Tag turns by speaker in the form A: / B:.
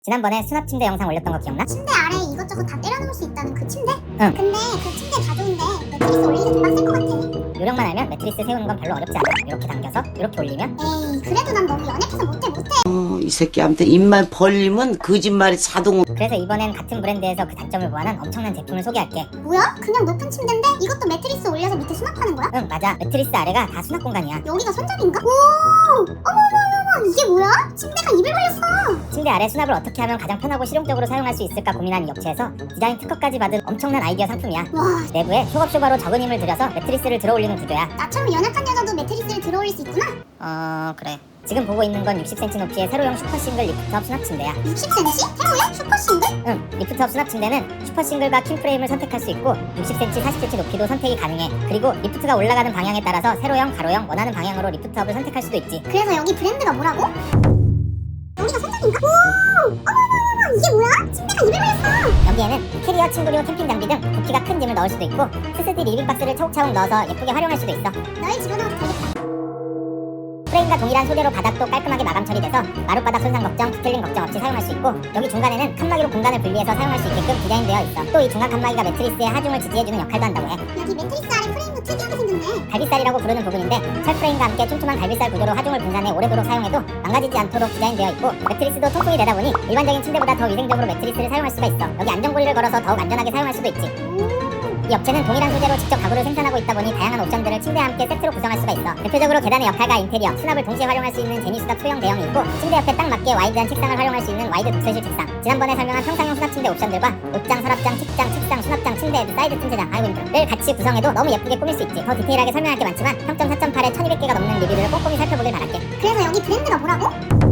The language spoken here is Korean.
A: 지난번에 수납 침대 영상 올렸던 거 기억나?
B: 침대 아래에 이것저것 다 때려놓을 수 있다는 그 침대?
A: 응.
B: 근데 그 침대 다 좋은데 매트리스 올리기 좀 빡셀 것 같아.
A: 요령만 알면 매트리스 세우는 건 별로 어렵지 않아. 이렇게 당겨서 이렇게 올리면
B: 에이 그래도 난 너무 연약해서 못해.
C: 이 새끼한테 입만 벌리면 거짓말이 자동으로.
A: 그래서 이번엔 같은 브랜드에서 그 단점을 보완한 엄청난 제품을 소개할게.
B: 뭐야? 그냥 높은 침대인데 이것도 매트리스 올려서 밑에 수납하는 거야?
A: 응, 맞아. 매트리스 아래가 다 수납 공간이야.
B: 여기가 손잡이인가? 오! 어머머머머 이게 뭐야? 침대가 입을 벌렸어.
A: 침대 아래 수납을 어떻게 하면 가장 편하고 실용적으로 사용할 수 있을까 고민한 이 업체에서 디자인 특허까지 받은 엄청난 아이디어 상품이야.
B: 와
A: 내부에 쇼겁쇼바로 적은 힘을 들여서 매트리스를 들어올리는 구조야.
B: 나처럼 연약한 여자도 매트리스를 들어올릴 수 있구나.
A: 그래. 지금 보고 있는 건 60cm 높이의 세로형 슈퍼싱글 리프트업 수납 침대야.
B: 60cm? 세로야? 슈퍼싱글?
A: 응, 리프트업 수납 침대는 슈퍼싱글과 킹프레임을 선택할 수 있고 60cm, 40cm 높이도 선택이 가능해. 그리고 리프트가 올라가는 방향에 따라서 세로형, 가로형 원하는 방향으로 리프트업을 선택할 수도 있지.
B: 그래서 여기 브랜드가 뭐라고? 여기가 손잡이인가? 오! 어머머머머 이게 뭐야? 침대가 입을 벌렸어.
A: 여기에는 캐리어, 침구류, 캠핑 장비 등 부피가 큰 짐을 넣을 수도 있고 스스디 리빙 박스를 차곡차곡 넣어서 예쁘게 활용할 수도 있어.
B: 널 집어넣어도 되겠다.
A: 프레임과 동일한 소재로 바닥도 깔끔하게 마감 처리돼서 마룻바닥 손상 걱정, 뒤틀림 걱정 없이 사용할 수 있고 여기 중간에는 칸막이로 공간을 분리해서 사용할 수 있게끔 디자인되어 있어. 또 이 중간 칸막이가 매트리스의 하중을 지지해주는 역할도 한다고 해.
B: 여기 매트리스 아래 프레임도 특이하게 생겼네.
A: 갈비살이라고 부르는 부분인데 철 프레임과 함께 촘촘한 갈비살 구조로 하중을 분산해 오래도록 사용해도 망가지지 않도록 디자인되어 있고 매트리스도 통풍이 되다 보니 일반적인 침대보다 더 위생적으로 매트리스를 사용할 수가 있어. 여기 안전고리를 걸어서 더욱 안전하게 사용할 수도 있지. 이 업체는 동일한 소재로 직접 가구를 생산하고 있다 보니 다양한 옵션들을 침대와 함께 세트로 구성할 수가 있어. 대표적으로 계단의 역할과 인테리어, 수납을 동시에 활용할 수 있는 제니수납 소형 대형이 있고 침대 옆에 딱 맞게 와이드한 책상을 활용할 수 있는 와이드 독서실 책상, 지난번에 설명한 평상용 수납 침대 옵션들과 옷장, 서랍장, 책장, 책상, 수납장, 침대 헤드, 사이드 틈새장, 아이고 힘들어를 같이 구성해도 너무 예쁘게 꾸밀 수 있지. 더 디테일하게 설명할 게 많지만 평점 4.8에 1200개가 넘는 리뷰를 꼼꼼히 살펴보길 바랄게.
B: 그래서 여기 브랜드가 뭐라고?